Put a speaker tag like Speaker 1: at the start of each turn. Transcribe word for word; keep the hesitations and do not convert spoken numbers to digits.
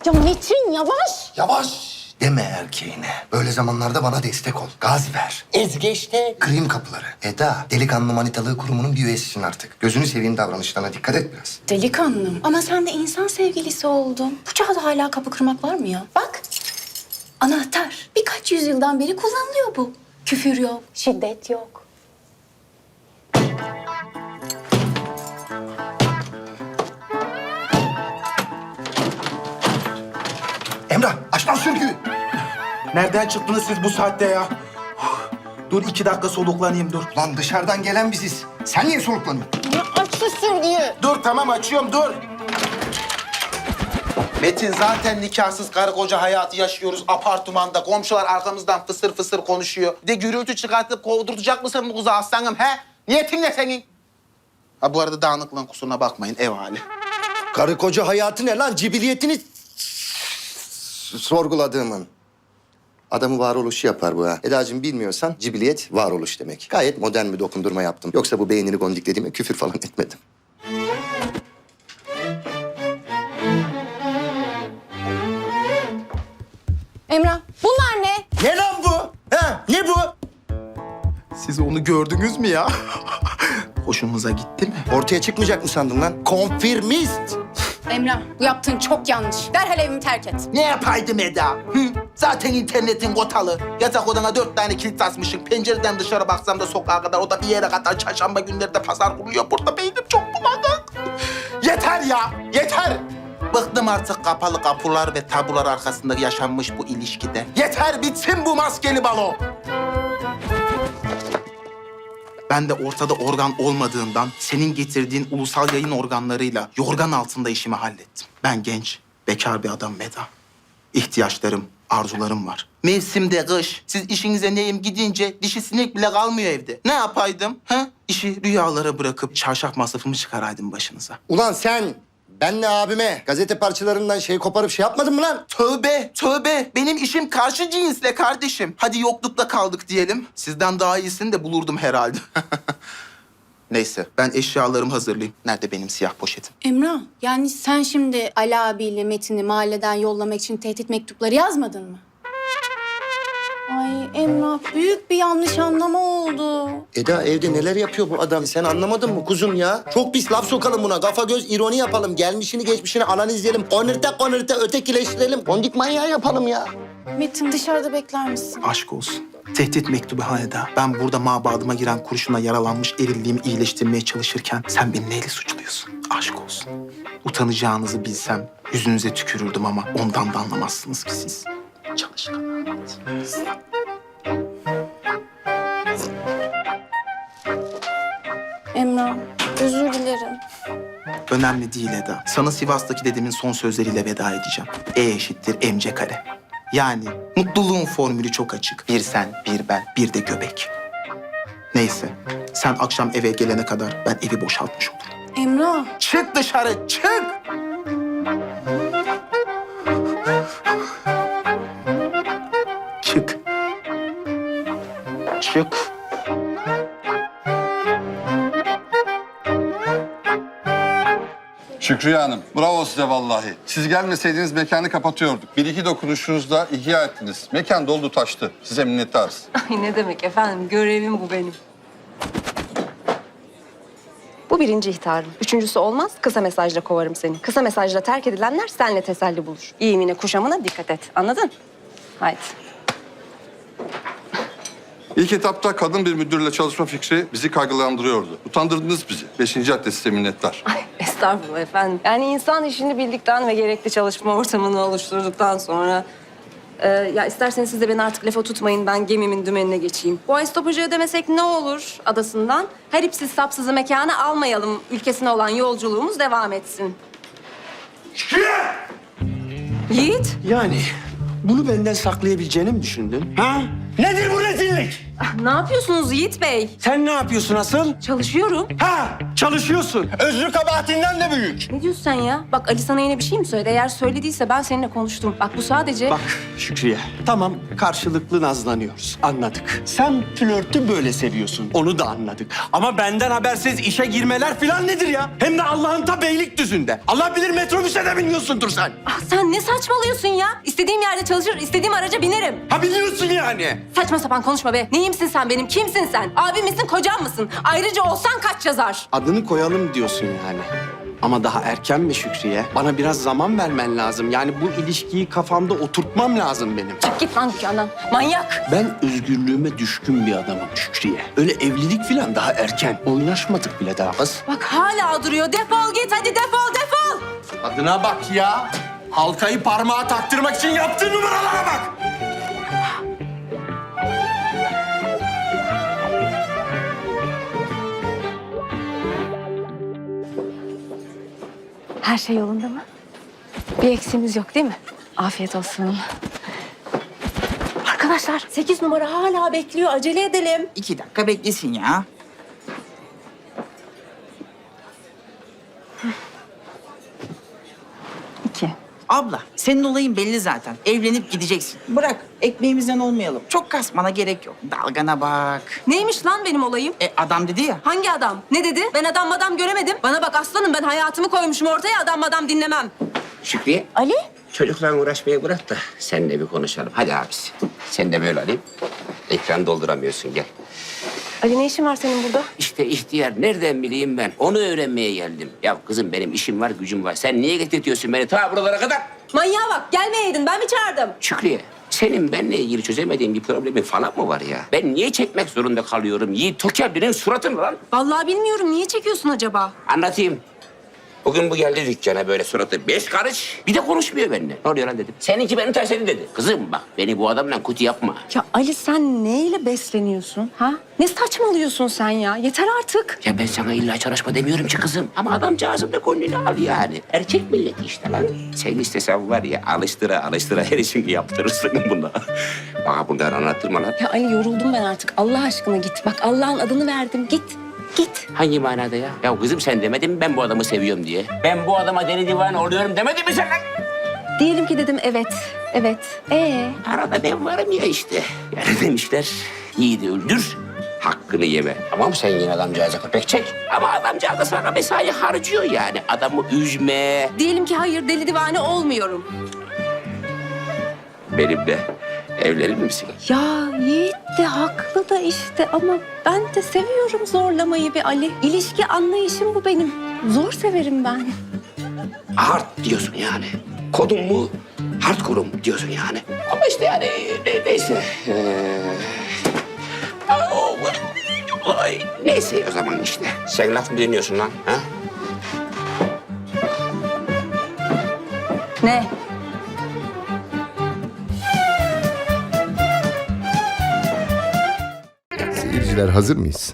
Speaker 1: Ya Metin yavaş.
Speaker 2: Yavaş deme erkeğine. Böyle zamanlarda bana destek ol. Gaz ver.
Speaker 3: Ezgeçte.
Speaker 2: Kırayım kapıları. Eda, delikanlı manitalığı kurumunun bir üyesisin artık. Gözünü seveyim, davranışlarına dikkat et biraz.
Speaker 1: Delikanlım. Ama sen de insan sevgilisi oldun. Bu çağda hala kapı kırmak var mı ya? Bak. Anahtar. Birkaç yüzyıldan beri kullanılıyor bu. Küfür yok, şiddet yok.
Speaker 2: Emrah, aç lan sürgüyü.
Speaker 4: Nereden çıktınız siz bu saatte ya? Dur iki dakika soluklanayım dur.
Speaker 2: Lan dışarıdan gelen biziz. Sen niye soluklanıyorsun?
Speaker 1: Ya aç şu sürgüyü.
Speaker 4: Dur tamam açıyorum dur.
Speaker 3: Metin zaten nikahsız karı koca hayatı yaşıyoruz apartmanda. Komşular arkamızdan fısır fısır konuşuyor. Bir de gürültü çıkartıp kovdurtacak mısın bu kızı aslanım he? Niyetin ne senin? Ha bu arada dağınıklığın kusuruna bakmayın ev hali.
Speaker 2: Karı koca hayatı ne lan? Cibiliyetini s- sorguladığımın. Adamı varoluşu yapar bu ha. Edacığım bilmiyorsan cibiliyet varoluş demek. Gayet modern bir dokundurma yaptım. Yoksa bu beynini gondiklediğime küfür falan etmedim.
Speaker 1: Emrah, bunlar ne?
Speaker 2: Ne lan bu? Ha? Ne bu?
Speaker 4: Siz onu gördünüz mü ya? Hoşunuza gitti mi?
Speaker 2: Ortaya çıkmayacak mı sandın lan? Konfirmist.
Speaker 1: Emrah, bu yaptığın çok yanlış. Derhal evimi terk et.
Speaker 3: Ne yapaydım Eda? Hı? Zaten internetin kotalı. Yatak odana dört tane kilit asmışsın. Pencereden dışarı baksam da sokağa kadar, o da bir yere kadar. Çarşamba günleri de pazar kuruluyor. Burada beynim çok bulanık. Yeter ya, yeter. Bıktım artık kapalı kapılar ve tabular arkasında yaşanmış bu ilişkide. Yeter, bitsin bu maskeli balo. Ben de ortada organ olmadığından senin getirdiğin ulusal yayın organlarıyla yorgan altında işimi hallettim. Ben genç, bekar bir adam Meda. İhtiyaçlarım, arzularım var. Mevsimde kış, siz işinize neyim gidince dişi sinek bile kalmıyor evde. Ne yapaydım? Ha? İşi rüyalara bırakıp çarşaf masrafımı çıkaraydım başınıza.
Speaker 2: Ulan sen benle abime gazete parçalarından şey koparıp şey yapmadın mı lan?
Speaker 3: Tövbe, tövbe. Benim işim karşı cinsle kardeşim. Hadi yoklukta kaldık diyelim. Sizden daha iyisini de bulurdum herhalde. Neyse, ben eşyalarımı hazırlayayım. Nerede benim siyah poşetim?
Speaker 1: Emrah, yani sen şimdi Ali abiyle Metin'i mahalleden yollamak için tehdit mektupları yazmadın mı? Ay Emrah, büyük bir yanlış anlama oldu.
Speaker 2: Eda evde neler yapıyor bu adam? Sen anlamadın mı kuzum ya? Çok pis laf sokalım buna. Kafa göz ironi yapalım. Gelmişini geçmişini analizleyelim. Onırta onırta ötekileştirelim. Kondik manyağı yapalım ya.
Speaker 1: Metin dışarıda bekler misin?
Speaker 3: Aşk olsun. Tehdit mektubu haneda. Ben burada mabadıma giren kurşuna yaralanmış erilliğimi iyileştirmeye çalışırken sen beni neyle suçluyorsun? Aşk olsun. Utanacağınızı bilsem yüzünüze tükürürdüm ama ondan da anlamazsınız ki siz. Çalışkan.
Speaker 1: Emrah, özür dilerim.
Speaker 3: Önemli değil Eda. Sana Sivas'taki dedemin son sözleriyle veda edeceğim. E eşittir mc kare. Yani mutluluğun formülü çok açık. Bir sen, bir ben, bir de göbek. Neyse, sen akşam eve gelene kadar ben evi boşaltmış olurum.
Speaker 1: Emrah.
Speaker 3: Çık dışarı, çık! Çık. Çık.
Speaker 5: Şükriye Hanım, bravo size vallahi. Siz gelmeseydiniz mekanı kapatıyorduk. Bir iki dokunuşunuzla ihya ettiniz. Mekan doldu taştı. Size minnettarız.
Speaker 6: Ay ne demek efendim, görevim bu benim. Bu birinci ihtarım. Üçüncüsü olmaz, kısa mesajla kovarım seni. Kısa mesajla terk edilenler seninle teselli bulur. İyimine, kuşamına dikkat et. Anladın? Haydi.
Speaker 5: İlk etapta kadın bir müdürle çalışma fikri bizi kaygılandırıyordu. Utandırdınız bizi. Beşinci adres size minnettar.
Speaker 6: Ay estağfurullah efendim. Yani insan işini bildikten ve gerekli çalışma ortamını oluşturduktan sonra... E, ya isterseniz siz de beni artık lafa tutmayın. Ben gemimin dümenine geçeyim. Bu ay stopajı ödemesek ne olur adasından? Her ipsiz sapsızı mekana almayalım. Ülkesine olan yolculuğumuz devam etsin. Yiğit.
Speaker 7: Yani bunu benden saklayabileceğini mi düşündün? Ha? Nedir bu rezillik?
Speaker 6: Ne yapıyorsunuz Yiğit Bey?
Speaker 7: Sen ne yapıyorsun asıl?
Speaker 6: Çalışıyorum.
Speaker 7: Ha, çalışıyorsun. Özrü kabahatinden de büyük.
Speaker 6: Ne diyorsun sen ya? Bak Ali sana yine bir şey mi söyledi? Eğer söylediyse ben seninle konuştum. Bak bu sadece...
Speaker 7: Bak Şükriye, tamam karşılıklı nazlanıyoruz. Anladık. Sen flörtü böyle seviyorsun. Onu da anladık. Ama benden habersiz işe girmeler falan nedir ya? Hem de Allah'ın ta Beylikdüzü'nde. Allah bilir metrobüse de biniyorsundur sen.
Speaker 6: Ah, sen ne saçmalıyorsun ya? İstediğim yerde çalışır, istediğim araca binerim.
Speaker 7: Ha biliyorsun yani.
Speaker 6: Saçma sapan konuşma be. Neyimsin sen benim? Kimsin sen? Abim misin, kocam mısın? Ayrıca olsan kaç yazar?
Speaker 7: Adını koyalım diyorsun yani. Ama daha erken mi Şükriye? Bana biraz zaman vermen lazım. Yani bu ilişkiyi kafamda oturtmam lazım benim.
Speaker 6: Çık git lan dükkandan. Manyak.
Speaker 7: Ben özgürlüğüme düşkün bir adamım Şükriye. Öyle evlilik falan daha erken. Oynaşmadık bile daha kız.
Speaker 6: Bak hala duruyor. Defol git hadi defol defol.
Speaker 7: Adına bak ya. Halkayı parmağa taktırmak için yaptığın numaralara bak.
Speaker 6: Her şey yolunda mı? Bir eksiğimiz yok değil mi? Afiyet olsun. Arkadaşlar sekiz numara hala bekliyor. Acele edelim.
Speaker 8: İki dakika beklesin ya.
Speaker 6: İki.
Speaker 8: Abla, senin olayın belli zaten. Evlenip gideceksin. Bırak, ekmeğimizden olmayalım. Çok kasmana gerek yok. Dalgana bak.
Speaker 6: Neymiş lan benim olayım?
Speaker 8: E adam dedi ya.
Speaker 6: Hangi adam? Ne dedi? Ben adam madam göremedim. Bana bak aslanım ben hayatımı koymuşum ortaya adam madam dinlemem.
Speaker 9: Şükriye.
Speaker 6: Ali?
Speaker 9: Çocukla uğraşmayı bırak da seninle bir konuşalım. Hadi abisi. Sen de böyle alayım. Ekran dolduramıyorsun gel.
Speaker 6: Ali ne işin var senin burada?
Speaker 9: İşte ihtiyar nereden bileyim ben? Onu öğrenmeye geldim. Ya kızım benim işim var gücüm var. Sen niye getirtiyorsun beni ta buralara kadar?
Speaker 6: Manyağa bak gelmeyeydin ben mi çağırdım?
Speaker 9: Şükriye senin benimle ilgili çözemediğin bir problemin falan mı var ya? Ben niye çekmek zorunda kalıyorum? Yiğit Tokerli'nin suratını lan.
Speaker 6: Vallahi bilmiyorum niye çekiyorsun acaba?
Speaker 9: Anlatayım. Bugün bu geldi dükkana böyle suratı beş karış. Bir de konuşmuyor benimle. Ne oluyor lan dedim. Seninki beni tersledi dedi. Kızım bak beni bu adamla kötü yapma.
Speaker 6: Ya Ali sen neyle besleniyorsun ha? Ne saçmalıyorsun sen ya? Yeter artık.
Speaker 9: Ya ben sana illa çalışma demiyorum ki kızım. Ama adamcağızın da gönlünü al yani. Erkek milleti işte lan. Sen istesen var ya alıştıra alıştıra her işini yaptırırsın buna. Bana bunları anlattırma lan.
Speaker 6: Ya Ali yoruldum ben artık. Allah aşkına git. Bak Allah'ın adını verdim. Git. Git.
Speaker 9: Hangi manada ya? Ya kızım sen demedin mi ben bu adamı seviyorum diye? Ben bu adama deli divane oluyorum demedin mi sen lan?
Speaker 6: Diyelim ki dedim evet. Evet. Ee?
Speaker 9: Arada ben varım ya işte. Yani demişler yiğidi öldür, hakkını yeme. Tamam sen yine adamcağıza köpek çek. Ama adamcağız da sana mesai harcıyor yani. Adamı üzme.
Speaker 6: Diyelim ki hayır deli divane olmuyorum.
Speaker 9: Benimle evlenir misin?
Speaker 6: Ya Yiğit de haklı da işte ama ben de seviyorum zorlamayı be Ali. İlişki anlayışım bu benim. Zor severim ben.
Speaker 9: Hard diyorsun yani. Kodum mu? Hardcore'um diyorsun yani. Ama işte yani ne- neyse. Ee, o- ay, neyse o zaman işte. Sen laf mı dinliyorsun lan? Ha?
Speaker 6: Ne?
Speaker 2: Seyirciler hazır mıyız?